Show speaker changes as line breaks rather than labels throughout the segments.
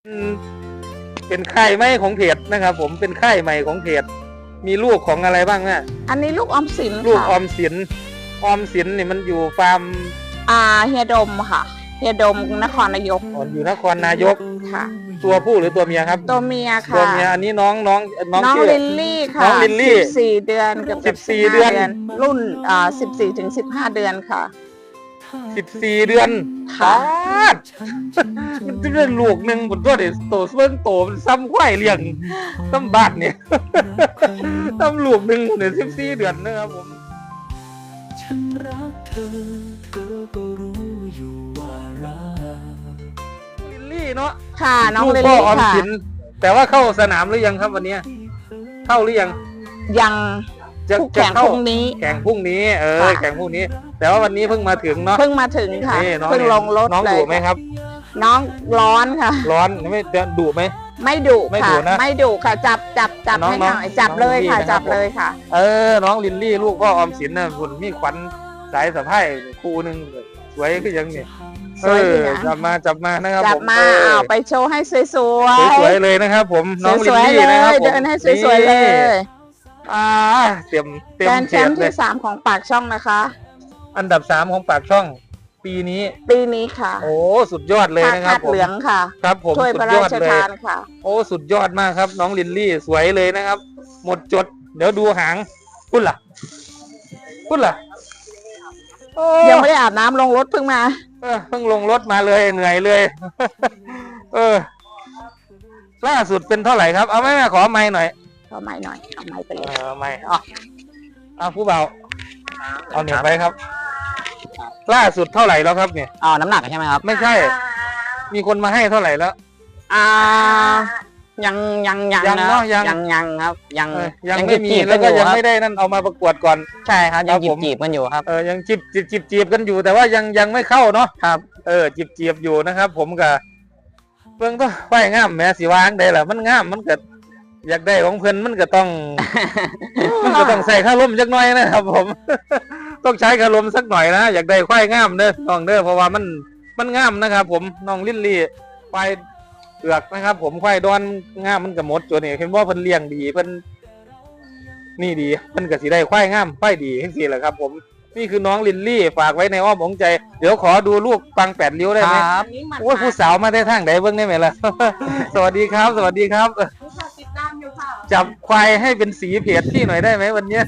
เป็นค่ายใหม่ของเพจนะครับผมเป็นค่ายใหม่ของเพจมีลูกของอะไรบ้างเนี่ย
อันนี้ลูกออมสิน
ลูกออ
ค่ะ
มสินนี่มันอยู่ฟาร์ม
เฮียดมค่ะเฮียดมนครนายก
อยู่นครนายก
ค่ะ
ตัวผู้หรือตัวเมียครับ
ตัวเมียค่ะ
ตัวเมียอันนี้น้องชื่อ
ลิลลี่ค่ะ
น้องลิลลี่
14 เดือนกับ
14 เดือน
รุ่น14 ถึง 15 เดือนค่ะ
14 เดือน
ค่ะ
มันจะเป็นลูกหนึ่งบนตัวเด็กโตเบิ่งโตมันซ้ำควายเลี้ยงซ้ำบาทเนี่ยซ้ำลูกหนึ่งเนี่ย14 เดือนนะครับผม
ฉันรักเธอก็รู้อยู่ว่ารัก
ลิลลี่เนาะ
ค่ะน้องลิล
พ่อ
ลี่
ออม
ค่ะ
สินแต่ว่าเข้าสนามหรือยังครับวันนี้เข้าหรือยัง
ยัง
จะ
แข่งพรุ่งนี้
แข่งพรุ่งนี้
ค่ะ
แข่งพรุ่งนี้ แต่ว่าวันนี้เพิ่งมาถึงเนาะ
เพิ่งมาถึงค่ะ
นี่น้อง
เพิ่งลงรถ
น้อง
เล
ดุ
ย
ไหมครับ
น้องร้อนค่ะ
ร้อนไม่ดุไหม
ไม่ดุ
ไม่
ค่ะ
ดุนะ
ไม่ดุค่ะจับ
น้อง
ให้หน่อย
น้อง
จับเลย
น้องลิลลี่
ค่ะ
นะครับ
จับเลยค่ะ
น้องลิลลี่ลูกพ่อออมสินนะคุณมีขวัญสายสะพายคู่หนึ่งสวยก็ยังเนี่ย
สวยดีนะ
จับมานะครับ
จับ
ผม
มาเอาไปโชว์ให้สวยๆ
สวยๆเลยนะครับ ผมน้องลิ
ส
ล
วยๆ
ลี่
เล
นะครับ
ย
ผม
เดินให้สวยๆเลย
เต็ม
แกรนด์แช
เขีย
ม
ด
ป์
เลย
ที่ 3 ของปากช่องนะคะ
อันดับ 3ของปากช่องปีนี้
ปีนี้ค่ะ
โอ้สุดยอดเลย
ผ้า
นะครับ
คาด
ผม
เหลืองค่ะ
ครับผม
ถ้วย
สุ
พระ
ดย
รา
อด
ช
เลย
ทานค่ะ
โอ้สุดยอดมากครับน้องลิลลี่สวยเลยนะครับ หมดจด เดี๋ยวดูหางพุ่นล่ะโอ้
ยังไม่ได้อาบน้ำลงรถเพิ่งมา
เพิ่งลงรถมาเลยเหนื่อยเลย ล่าสุดเป็นเท่าไหร่ครับเอาไหมแม่ขอไม้หน่อย
เอาไม้หน่อยเอาไม้ไปเลย
ไม่เอาผู้เบาเอาเหนียวไปครับ ล่าสุดเท่าไหร่แล้วครับเนี่ย
น้ำหนักใช่ไหมครับ
ไม่ใช่ มีคนมาให้เท่าไหร่แล้ว
ยัง
ยังเนอะยัง
ครับ ยัง
ยังไม่มีแล้วก็ยังไม่ได้นั่นเอามาประกวดก่อน
ใช่ครับ ยัง
ครับผม
จีบกันอยู่ครับ
ยังจีบกันอยู่แต่ว่ายังไม่เข้าเนาะครับจีบอยู่นะครับ ผมกับเพิ่งต้องไหวงามแม่สีวางได้แหละมันงามมันเกิดอยากได้ของเพิ่นมันก็ต้อง ใส่ข้าร่มสักหน่อยนะครับ ผม ต้องใช้ข้าร่มสักหน่อยนะอยากได้ควายงามเด้อน้องเด้อเพราะว่ามันงามนะครับ ผมน้องลิลลี่ควายเผือกนะครับ ผมควายดอนงามมันก็หมดตัวนี้เห็นว่าเพิ่นเลี้ยงดีเพิ่นนี่ดีเพิ่นก็สิได้ควายงามควายดีจังซี่แหละครับ ผมนี่คือน้องลิลลี่ฝากไว้ในอ้อมอกใจเดี๋ยวขอดูลูกปัง8 ริ้วได้ไหม
ครับ
โอ้ยผู้สาวมาได้ทางไหนเบิ่งได้ไหมล่ะ สวัสดีครับ
ติดตามอยู่ค่ะ
จับควายให้เป็นสีเพจที่หน่อยได้ไหมวันเนี้ย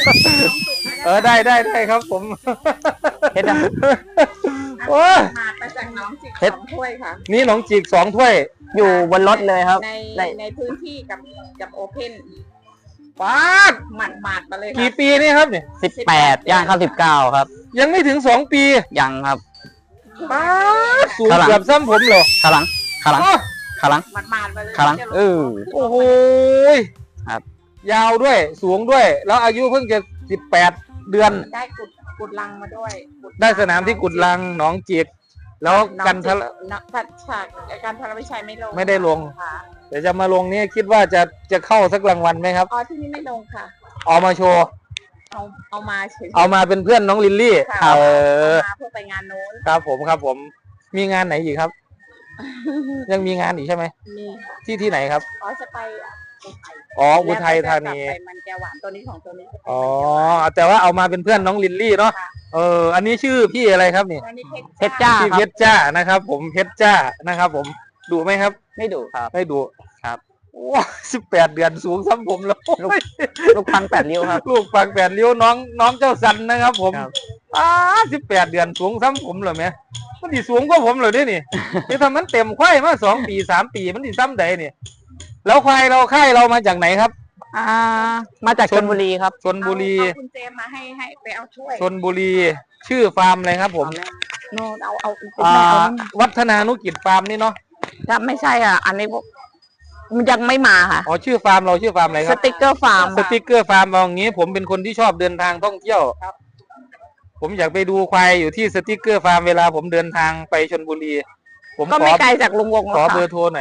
ได้ครับผม
เฮ็ดนะ
โอ้ย
มาไปจากน้องจิก
เฮ็ด
2 ถ้วยค่ะ
นี่น้องจีก2 ถ้วย
อยู่บนรถเลยครับ
ในพื้นที่กับโอเพ่น
ป๊าด
หมัดมาเลย
กี่
ค่ะ
ปีนี่ครับเนี่ย
18 ย่างเข้า 19 ครับ
ยังไม่ถึง2 ปี
ยังครับ
ป๊าดสูง
ข้างหลัง
เกือบซ้ำผมเหรอ
ขาหลัง
โอ้
หมัดมาเลย
ขาหลัง
โอ้โห
ครับ
ยาวด้วยสูงด้วย แล้วอายุเพิ่งจะ18 เดือน
ได้กุดลังมาด้วย
ได้สนามที่กุดลังหนองจิกแล้วกันทะ
การพลวิชัยไม่ลง
ไม่ได้ลง
ค่ะ
เดี๋ยวจะมาลงนี่คิดว่าจะเข้าสักรางวัลไหมครับ
ที่นี่ไม่ลงค่ะ
เอามาโชว์
เอามาเฉยๆ
เอามาเป็นเพื่อนน้องลิลลี่
ค่ะ
เออ
เอามาเพื่อไปงานโน้น
ครับผมมีงานไหนอีกครับ ยังมีงานอีกใช่ไหม
มี
ที่ไหนครับ
จะไป
อุทัยธานี
แล้วก็จะกลับไปมันแก้วหวานตัวนี้ของตัวนี้จะเป็น
อ๋อแต่ว่าเอามาเป็นเพื่อนน้องลิลลี่เนาะ
ค่ะ
อันนี้ชื่อพี่อะไรครับนี่
ตัวนี้
เพชรจ้า
พี่เพชรจ้านะครับ ผมเพชรจ้านะครับ ผมดุไหมครับ
ไม่ดุครับ
ไม่ดุ
ครับ
โอ้18 เดือนสูงซ้ำผมแล้ว
ลูกพัง8 ริ้วครับ
ลูกปัง8 ริ้วน้องเจ้าสันนะครับ ผม
ครับ
18 เดือนสูงซ้ำผมเหรอแม่มันดิสูงกว่าผมเหรอเนี่ยนี่ นี่ทำมันเต็มควายมา2 ปี 3 ปีมันดิซ้ำใดนี่แล้วควายเราค่ายเรามาจากไหนครับ
มาจากชลบุรีครับ
ชลบุรี
เอาคุณเจมมาให้ไปเอาช่วย
ชลบุรี ชื่อฟาร์มอะไรครับ ผม
โน่นเอา
วัฒนานุกิจฟาร์มนี่เนาะ
ถ้าไม่ใช่อ่ะ อันนี้มันยังไม่มาค่ะ
อ๋อชื่อฟาร์มเราชื่อฟาร์มอะไรค
ส
รับ
ติ๊กเกอร์ฟาร์ม
สติ๊กเกอร์ฟาร์มเอาอย่างงี้ ผมเป็นคนที่ชอบเดินทางท่องเที่ยวครับ ผมอยากไปดูควายอยู่ที่สติ๊กเกอร์ฟาร์มเวลาผมเดินทางไปชลบุรี ผม
ก็ไม่ไกลจากลุงวงหร
ข
อ
อก เบอ
ค่ะ
ร์โทรหน่อย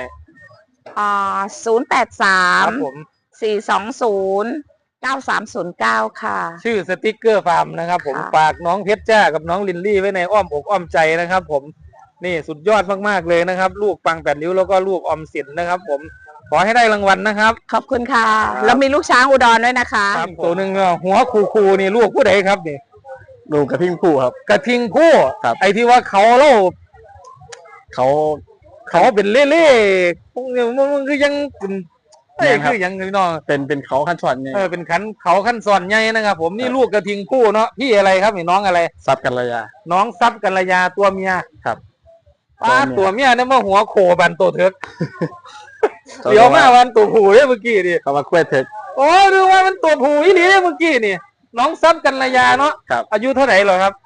083
ผม
420 9309 ค่ะ
ชื่อสติ๊กเกอร์ฟาร์มนะครับ ผม
ค่ะ
ฝากน้องเพชรจ้ากับน้องลินลี่ไว้ในอ้อมอกอ้อมใจนะครับ ผมนี่สุดยอดมากๆเลยนะครับ ลูกปัง8 ริ้วแล้วก็ลูกออมสินนะครับ ผมขอให้ได้รางวัลนะครับ
ขอบคุณค่ะ แล้วมีลูกช้างอุดรด้วยนะคะ
ครับตัวหนึ่งหัวคูนี่ลูกผู้ใดครับนี่
ดูกระทิงผู้ครับ
กระทิงผู้
ครับ
ไอ้ที่ว่าเขาเล่า
เขา
เขาเป็นเล่ๆพวกนี้มันคือยังเป็นไอ้ยคือยังพี่น้อง
เป็นเขาขั้นสอนไง
เป็นเขาขั้นสอนใหญ่นะครับ ผมนี่ลูกกระทิงผู้เนาะพี่อะไรครับนี่น้องอะไร
ซับกันระยะ
น้องซับกัลยาตัวเมีย
ครับ
ป้า
ตั
ตัว
วเมี
เมีย
ย
เนี่ยมาหัวโขบันตัวเถิกเดี๋ยวมาวันตัวผู้เนี่ยเมื่อกี้ดิ
เขามาคุยเถิก
โอ้ดูว่ามันตัวผู้อีหลีเนี่ยเมื่อกี้นี่น้องซับกัลยาเนาะ
ครับ
อายุเท่าไหร่เหรอครับ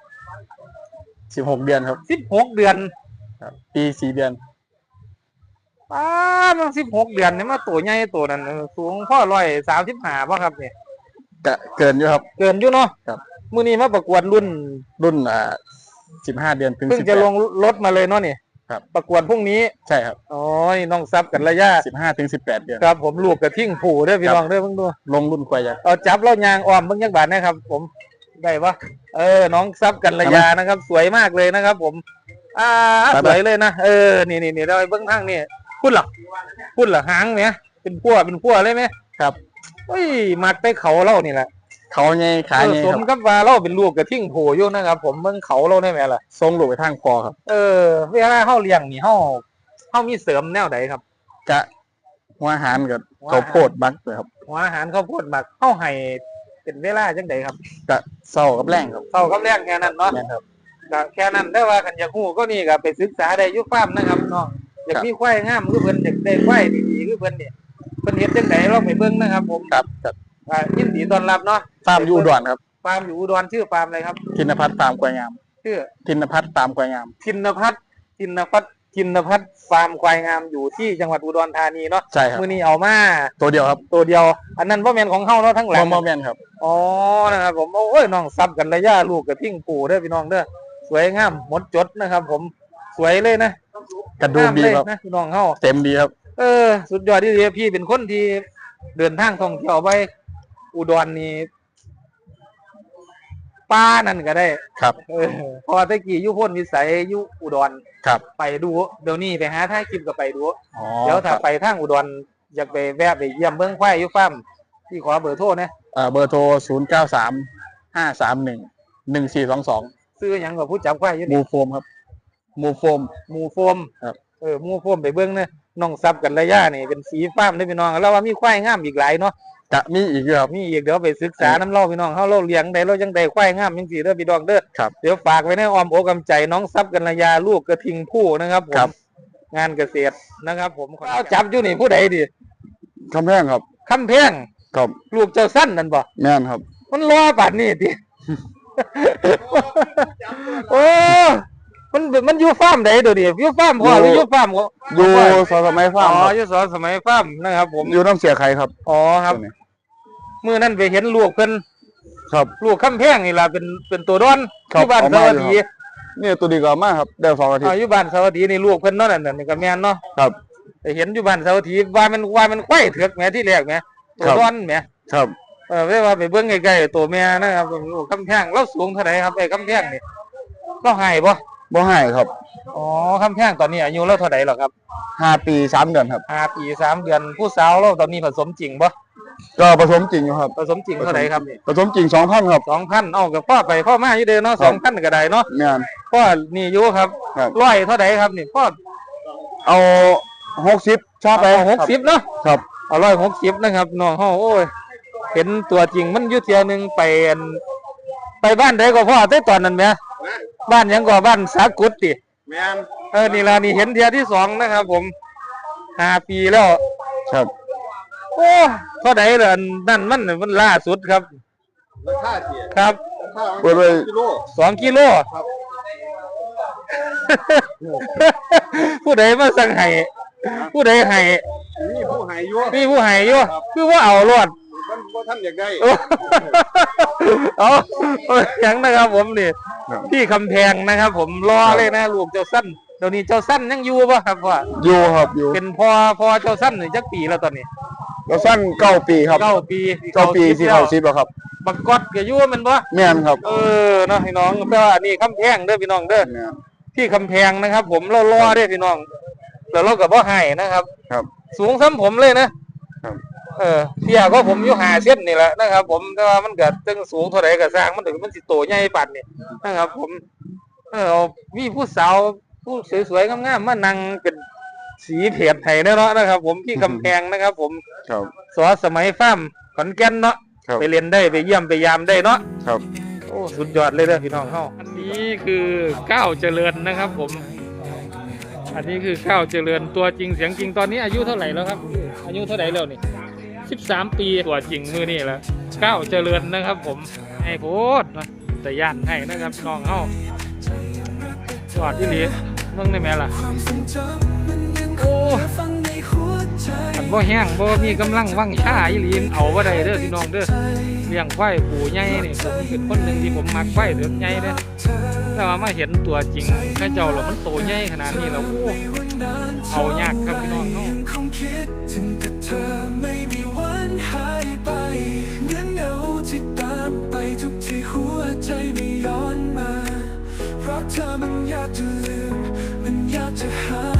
16 เดือนครับ
16 เดือน
ครับปี4 เดือน
ป้ามัน16 เดือนเนี่ยมาตัวใหญ่ตัวนั้นสูงพ่อ135ป่ะครับเนี่ย
จะเกินอยู่ครับ
เกินอยู่เนาะ
ครับ
มื้อนี้มาประกวดรุ่น
รุ่น15 เดือนถึง
เพิ่งจะลงรถมาเลยเนาะนี่
ครับ
ประกวดพรุ่งนี้
ใช่ครับ
อ๋อนี่น้องซับกัลยา
15 ถึง 18 เดือน
ครับผมลูกกระทิ่งผู้เด้อพี่น้องเด้อเพิ่งดู
ลงรุ่นควายยักษ์
เอาจับแล้วยางออมเบิ่งยักบาทนะครับ ผมได้ปะน้องซับกัลยานะครับ สวยมากเลยนะครับ ผม สวยเลยนะนี่เราไปเบิ่งทางนี่พุ่นเหรอหางเนี่ยเป็นพั่วเลยไหม
ครับ
เฮ้ยมักไปเขาเล่านี่แหละ
เขาไงขาไง
ส
ค
ม
รับ
กับว่าเราเป็นลูกกระทิ่งโผอยู่นะครับ ผมเบิ่งเขาเราได้ไหมล่ะ
ทรงลูกไปทางคอครับ
เวลาเฮาเลี้ยงนี่เฮามีเสริมแนวใดครับ
จะหัวอาหารกับข้าวโพดบักเลยครับ
หัวอาหารข้าวโพดหมักเฮาให้เป็นเวลาจังไดครับ
จะเศร้ากับแรงครับ
เท่ากับแรงแค่นั้นเนาะ
แม่นครับ
ก็แค่นั้นได้ว่ากันอยากฮู้ก็นี่ก็ไปศึกษาได้อยู่ฟาร์มนะครับน้องอยากมีควายงามคือเพิ่นอยากได้ควายดีๆคือเพิ่นนี่เพิ่นเฮ็ดจังไดเราไปเบิ่งนะครับ ผม
ครับ
ยินดีต้อนรับเนาะ
ฟาร์มอยู่อุดรครับ
ฟาร์มอยู่อุดรชื่อฟาร์มอะไรครับ
ธินพัฒน์ฟาร์มควายงาม
ชื่อ
ธินพัฒน์ฟาร์มควายงาม
ทินพัฒน์ฟาร์มควายงามอยู่ที่จังหวัดอุดรธานีเนาะ
ใช่ครับ
มื้อนี้เอามา
ตัวเดียวครับ
ตัวเดียว อันนั้นบ่แม่นของเฮาเนาะทั้งหลัง
มอแมนครับ
อ๋อนะครับผมโอ้ยน้องซับกันระยะลูกกระทิ่งปู่เด้อพี่น้องเด้อสวยงามหมดจดนะครับ ผมสวยเลยนะ
กระดูกดีครับ
งามเลยนะพี่น้องเฮา
เต็มดีครับ
สุดยอดที่เลยพี่เป็นคนที่เดินทางท่องเที่ยวไปอุดรนี่ป้านั่นก็ได้
ครับ
พอตะกี้อยุพ้นวิสัยอยุอุดร
ครับ
ไปดูเดี๋ยวนี้ไปหาท่าคลิปก็ไปดู
อ๋อ
เดี๋ยวถ้า
ครับ
ไปทางอุดรอยากไปแวะไปเยี่ยมเบิ้งควายอยุฟาร์มที่ขอเบอร์โทรนะ
เบอร์โทร093-531-1422
ซื้อหยังกับผู้จับควายอยู่
มู
นี่
โฟมครับมูโฟม
หมูโฟม
ครับ
หมูโฟมไปเบิ้งนะน้องซับกันระยะนี่เป็นสีฟาร์มได้อพี่น้องแล้วว่ามีควายงามอีกหลายเนาะ
จะมีอีกด้วยครับ
มีอีกเดี๋ยวไปศึกษาน้ำเล่าพี่น้องเฮาเล่าเลี้ยงได้เราจังได้ควายงามจังซี่เด้อพี่น้องเด้อ
ครับ
เดี๋ยวฝากไว้ในอ้อมอกอ้อมใจน้องซับกันระยาลูกกระทิงผู้นะครับผม
ครับ
งานเกษตรนะครับ ผมเอาจับอยู่นี่ผู้ใดดิ
คำแพงครับ
คำแพง
ครับ
ลูกเจ้าสั้นนั่นบ่
แม่นครับ
มันรอป่านนี้ติ โอ้มันอยู่ฟาร์มใดเดี๋ยวนี้อยู่ฟาร์มพ่อหรืออยู่ฟาร์มของ
อยู่สมัยฟาร์มครับ
อยู่สอนสมัยฟาร์มนะครับ ผม
อยู่น้ำเสียไข่ครับ
อ๋อครับ
ตัวนี้
มื้อนั้นไปเห็นลูกเพิ่น
ครับ
ลูกคำแพงนี่ล่ะเป็นตัวดอน
ครับ
ที่บ้าน
เอา
ส
มา
วัส
อยู่
ดี
ครับ เนี่ยตัวดีกว่ามากครับได้2 อาทิตย์
อยู่บ้านสวัสดีนี่ลูกเพิ่นเนาะนั่นนี่ก็แม่นเนาะ
ครับ
ไปเห็นอยู่บ้านสวัสดีว่ามันไข่เถือกแหม่ที่แรกแหม่ตัว
ครับ
ดอนแหม่
ครับ
เวลาไปเบิ่งใกล้ๆตัวแม่นะครับลูกคำแพงเราสูงเท่าไหร่ครับไอ้คำแพงนี่เราให้บ่
บ่ให้ครับ
อ๋อคำแพงตอนนี้อายุเราเท่าไหร่หรอครับ
5 ปี 3 เดือนครับ
5 ปี 3 เดือนผู้สาวเราตอนนี้ผสมจริงบ่
ก็ผสมจริงอยู่ครับ
ผสมจริงเท่าไหร่ครับนี่
ผสมจริง2,000ครับ
2,000เอากับพ่อไปพ่อมาอยู่เด้อเนาะ
ครับ
2,000ก็ได้เนาะ
แม่น
พ่อนี่อยู่ครับ
ครับ
ร้อยเท่าไหร่ครับนี่พ่อ
เอา60ชอบไป
เอา60เนาะ
ครับ
เอา160นะครับน้องเฮาโอ้ยเห็นตัวจริงมันอยู่เที่ยหนึงไปบ้านใดก็พ่อแต่ตอนนั้นแหมบ้านหยังก็บ้านสากุดติ
แม่น
นี่ล่ะนี่เห็นเที่ยที่สองนะครับ ผม5 ปีแล้ว
ครับ
โอ้เท่าไหร่ล่ะนั่นมันล่าสุดครับ
ราคาเสีย
ครับ
เปิดไว้
2 กิโลผู้ใดมาสั่งให้ผู้ใดให้
นี่ผู้หายอยู่
มีผู้ให้อยู่คือว่าเอารอด
มันบ่ท่านอยากได้
เอาอย่างนะครับ ผมนี่พี่คำแพงนะครับ ผมรอเลยนะลูกเจ้าสั้นเดี๋ยวนี้เจ้าสั้นยังอยู่ป่ะครับพ่อ
อยู่ครับอยู่
เป็นพอเจ้าสั้นนี่จักปีแล้วตอนนี้
เราสั้น9 ปีครับ
9 ปี
9 ปีสิเข้า10แล้วครับ
บักกอดก็อยู่แมันบ่
แม่นครับ
เนาะพี่น้องแต่ว่าอันนี้คำแพงเด้อพี่น้องเด้อ
แม่น
ที่คำแพงนะครับ ผมรอๆได้พี่น้องแล้วเราก็บ่ให้นะครับ
ครับ
สูงซ้ำผมเลยนะครับ เที่ยก็ผมอยู่5 เซนนี่แหละนะครับ ผมแต่ว่ามันก็ตึงสูงเท่าไหร่ก็สร้างมันถึงมันสิโตใหญ่ปานนี่นะครับ ผมมีผู้สาวผู้สวยๆงามๆมานั่งเป็นสีเพจไห้เนาะนะครับ ผมที่คำแพงนะครับ ผม
ครับ
สอสมัยฟ้าร์มขอนแก่นเนาะ
ครับ
ไปเรียนได้ไปเยี่ยมไปยามได้เนาะ
ครับ
โอ้สุดยอดเลยเด้อพี่น้องเฮาอันนี้คือก้าวเจริญนะครับ ผม อันนี้คือก้าวเจริญตัวจริงเสียงจริงตอนนี้อายุเท่าไหร่แล้วครับ อายุเท่าไหร่แล้วนี่13 ปีตัวจริงมือนี่แหละก้าวเจริญนะครับ ผมให้โพดนะแต่ย่านให้นะครับพี่น้องเฮายอดที่หลีเมืองได้ไหมล่ะโอ้อันบ่แห้งบ่มีกำลังวังชาอีหลีเอาบ่ได้เด้อพี่น้องเด้อเลี้ยงควายปูใหญ่นี่ผมเป็นคนหนึ่งที่ผมมักควายเดือดใหญ่เด้อแต่ว่ามาเห็นตัวจริงข้าเจ้าแล้วมันโตใหญ่ขนาดนี้แล้วโอ้เอายากครับพี่น้องเนาะ
ไม่มีวันหายไปเหมือนเงาที่ตามไปทุกที่หัวใจไม่ย้อนมาเพราะเธอมันยากจะลืมมันยากจะหา